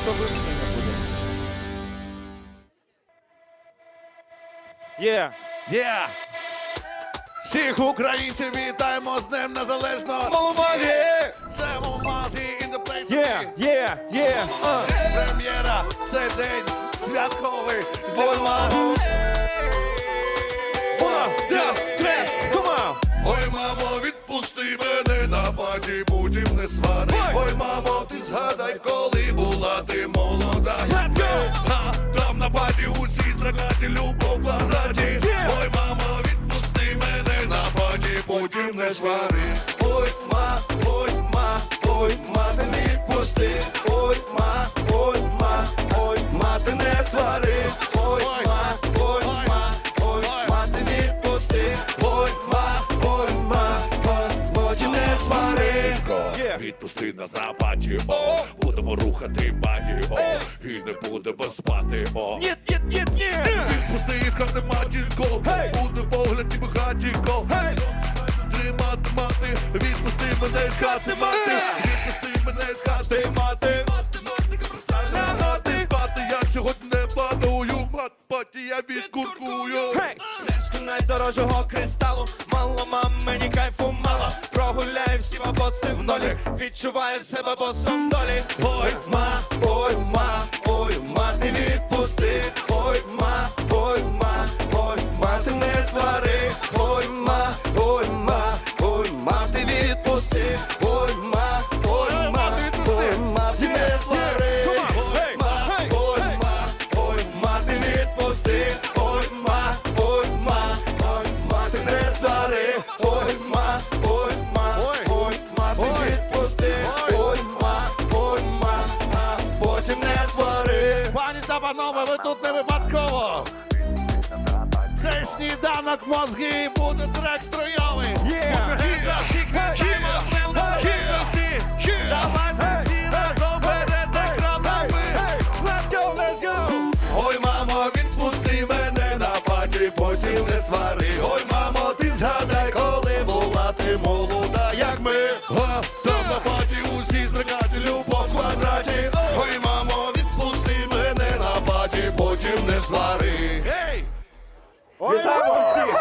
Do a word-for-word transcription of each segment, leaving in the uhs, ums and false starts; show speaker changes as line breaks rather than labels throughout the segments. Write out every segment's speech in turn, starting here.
то вимкнення буде. Є.
Є! Всіх українців вітаємо з Днем Незалежного!
Маломазі!
Це Маломазі in the place to
Є,
be.
є, є. А.
Прем'єра, це день святковий.
Ой, мамо. Уна, два, три, come
Ой, мамо, відпусти мене на паті, будь не свари.
Ой.
Ой, мамо, ти згадай, коли була ти молода.
Let's go!
А, там на паті усі страгаті, любов в квадраті.
Yeah.
Ой, мамо, відпусти мене на паті, потім не свари. Ой, ма, ой, ма, ой, ма, ти відпусти. Ой, ма, ой, ма, ой, ма, ти не свари. Ой, ма, ой, ма, ой, ма, ти відпусти. Ой, ма, ой, ма, ой, потім не свари.
Yeah.
Відпусти нас на паті, о, будемо рухати бані, о, і не будемо спати, о.
Ні, ні, ні, ні.
Відпусти, скажи матінко,
Hey.
буде погляд ніби хатінко.
Hey.
Тримати мати, відпусти мене з хати мати, відпусти мене з хати мати. Лягати спати, я сьогодні не падаю, мат паті я відкуркую.
Hey. Пляшку найдорожчого кристалу, мало мам, мені кайфу мало. Прогуляю всі бабоси в нолі, відчуваю себе босом долі.
Ой, ма, ой, ма, ой, ма, ти відпусти. Ой, ма, ой, ма, ой, ма, ти не свари. Ой, ма, ой, ма, ой, ма, ти відпусти. Ой, ма, ой, ма, ой, ма, ти не свари. Ой, ма, ой, ма, ой, ма, ти відпусти. Ой, ма, ой, ма, ой, ма, ти не свари. Ой, ма, ой, ма, ой, ма, ти відпусти. Ой, ма, ой, ма, а потім не свари. Пані та панове, ви тут не випадково. Цей сніданок мозги буде трек стройовий.
Yeah.
Давайте всі разом перед екранами.
Let's go, let's go.
Ой, мамо, відпусти мене на паті, потім не свари. Ой, мамо, ти згадай, коли була ти молода, як ми. А, там на паті усі збрикаті, любов в квадраті. Ой, мамо, відпусти мене на паті, потім не свари. Ей!
Вітаємо всіх.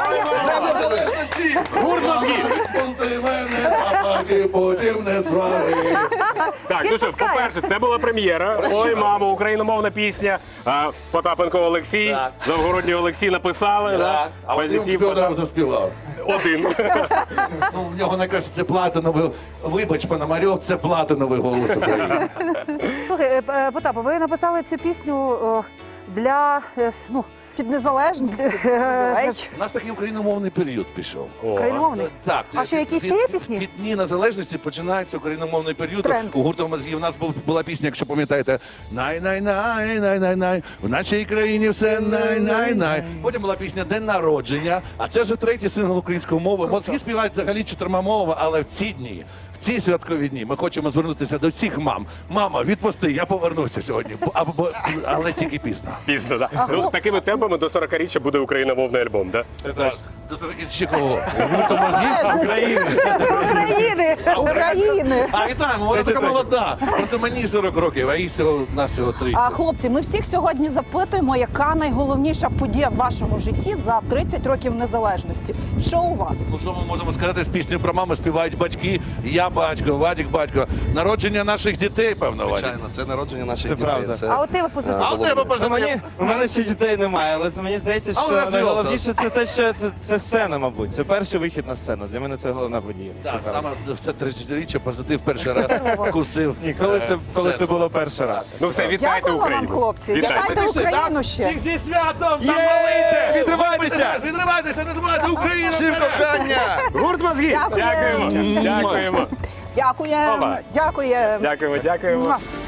Гурт мозгів.
Відпусти мене на паті, потім не свари.
Так, ну що, по-перше, це була прем'єра. Ой, мамо, україномовна пісня. А, Потапенко Олексій,
Так.
Завгородній Олексій написали. Да.
А один
Позитив.
Федоров заспівав.
Один.
Ну, в нього найкраще це платиновий, вибач, Пономарьов, це платиновий голос України.
Слухай, е, е, Потапа, ви написали цю пісню е, для е, ну,
Під незалежність.
е,
Давай.
У нас такий україномовний період пішов.
україномовний.
Так.
А що, які ще є пісні?
Від Дні Незалежності починається україномовний період.
Тренд.
У гурту мозгів у нас був, була пісня, якщо пам'ятаєте, най-най-най, най-най-най, в нашій країні все най-най-най. Потім була пісня День народження, а це вже третій сингл української мови. Мозги співають взагалі чотирма мовами, але в ці дні, в ці святкові дні ми хочемо звернутися до всіх мам. Мама, відпусти, я повернуся сьогодні, Бо- або, але тільки пізно.
Пізно, так. Ну, такими темпами до сорокаріччя буде україномовний альбом, так?
Це так. До ще кого? Гурту мозгів України.
України!
України.
А, вітаємо, вона така молода. Просто мені сорок років, а їй всього на всього
А
тридцять.
хлопці, ми всіх сьогодні запитуємо, яка найголовніша подія в вашому житті за тридцять років незалежності. Що у вас?
Ну що ми можемо сказати з піснею про маму? Співають батьки, я батько, Вадик батько. Народження наших дітей, певно, Вадик.
Звичайно, це народження наших
Це
дітей.
правда.
Це...
А от тебе позитив.
А у тебе
За
позитив?
мені, у мене ще дітей немає, але мені здається,
Але
що
розвивався.
найголовніше це те, що це, це сцена, мабуть. Це перший вихід на сцену. Для мене це головна подія. Це
Так,
правда.
саме в це тридцятиріччя позитив перший раз вкусив.
Ні, коли це,
е,
коли це
сцену.
було перший раз.
Ну все, вітайте
Дякуємо вам,
Україну.
хлопці.
Вітайте.
Вітайте Україну ще.
Всіх зі святом!
Є!
Там малите!
Відривайтеся!
Відривайтеся, не забувайте Україну!
Всім кохання!
Гурт мозгів.
Дякуємо.
Дякуємо. Дякуємо.
Дякуємо.
Ова.
Дякуємо.
Дякуємо, дякуємо.
Муа.